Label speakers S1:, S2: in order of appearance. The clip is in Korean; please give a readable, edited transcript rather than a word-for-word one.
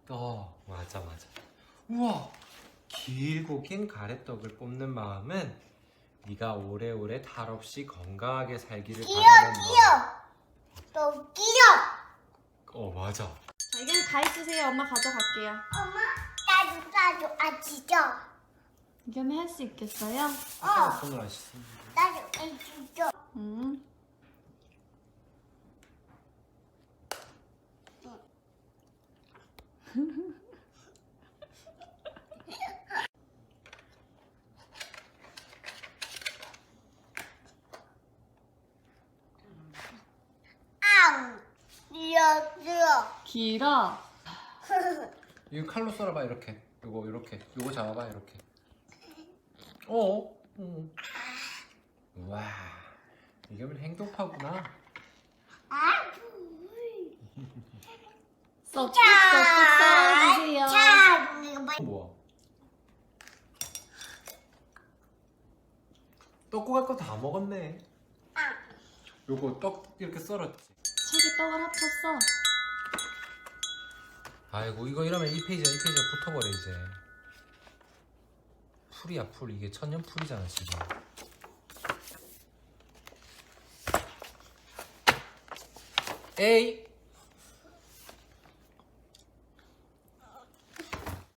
S1: 맞아. 우와, 길고 긴 가래떡을 뽑는 마음은 네가 오래오래 탈 없이 건강하게 살기를 바라는 마음.
S2: 또 끼요.
S1: 맞아.
S3: 자, 이건 다 있으세요. 엄마 가져갈게요.
S2: 엄마, 나도 아시죠?
S3: 이겸이 할 수 있겠어요?
S1: 손을 안 씻는.
S2: 나도 아시죠? 앙, 길어.
S3: 길어.
S1: 이거 칼로 썰어봐 이렇게. 요거 이렇게. 요거 잡아봐 이렇게. 와, 이겸은 행동파구나.
S3: 쏙쏙쏙 썰어주세요.
S2: 자, 이거 봐.
S1: 뭐야? 떡국 할 거 다 먹었네. 요거 떡 이렇게 썰었지.
S3: 책에 떡을 합쳤어.
S1: 아이고 이거 이러면 이 페이지가 붙어버려 이제. 풀이야 풀. 이게 천년 풀이잖아 지금. 에이